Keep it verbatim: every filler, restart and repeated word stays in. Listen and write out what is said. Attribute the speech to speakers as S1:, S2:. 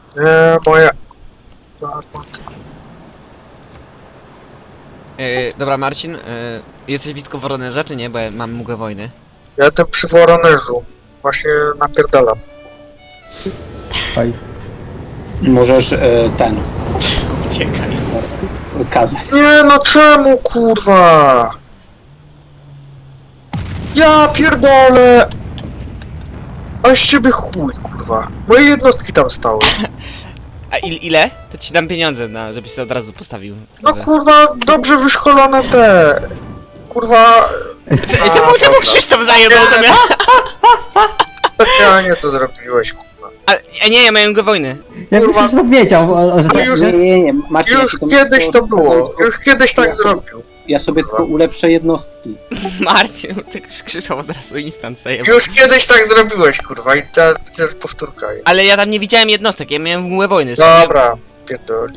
S1: Nie, moja...
S2: Yy, dobra, Marcin, yy, jesteś blisko Woronerza, czy nie? Bo ja mam mgłę wojny.
S1: Ja jestem przy Woronerzu. Właśnie napierdalam.
S3: Oj.
S4: Możesz e, ten,
S2: Uciekaj.
S4: kazać.
S1: Nie no czemu kurwa? Ja pierdolę! A z ciebie chuj kurwa. Moje jednostki tam stały.
S2: A il, ile? To ci dam pieniądze, na, żebyś się od razu postawił.
S1: No kurwa, dobrze wyszkolone te... Kurwa...
S2: Ej, czemu, czemu Krzysztof zajebał to mnie?
S1: Specjalnie to zrobiłeś kurwa.
S2: A, a nie, ja miałem mgłę wojny.
S3: Ja
S1: Kurwa.
S3: myślę, że to wiedział, o- o- że
S1: Ale
S3: tak
S1: już-
S4: Nie,
S3: jest.
S4: nie, nie, Maciej, ja
S1: Już
S4: ci to-
S1: kiedyś to było. Już kiedyś tak
S4: Ja sobie-
S1: zrobił.
S4: Ja sobie
S1: Kurwa.
S4: tylko ulepszę jednostki.
S2: Marcin, ty Krzysztof od razu instant zajebał.
S1: Już kiedyś tak zrobiłeś kurwa i ta też powtórka jest.
S2: Ale ja tam nie widziałem jednostek, ja miałem mgłę wojny.
S1: Dobra, pierdoli.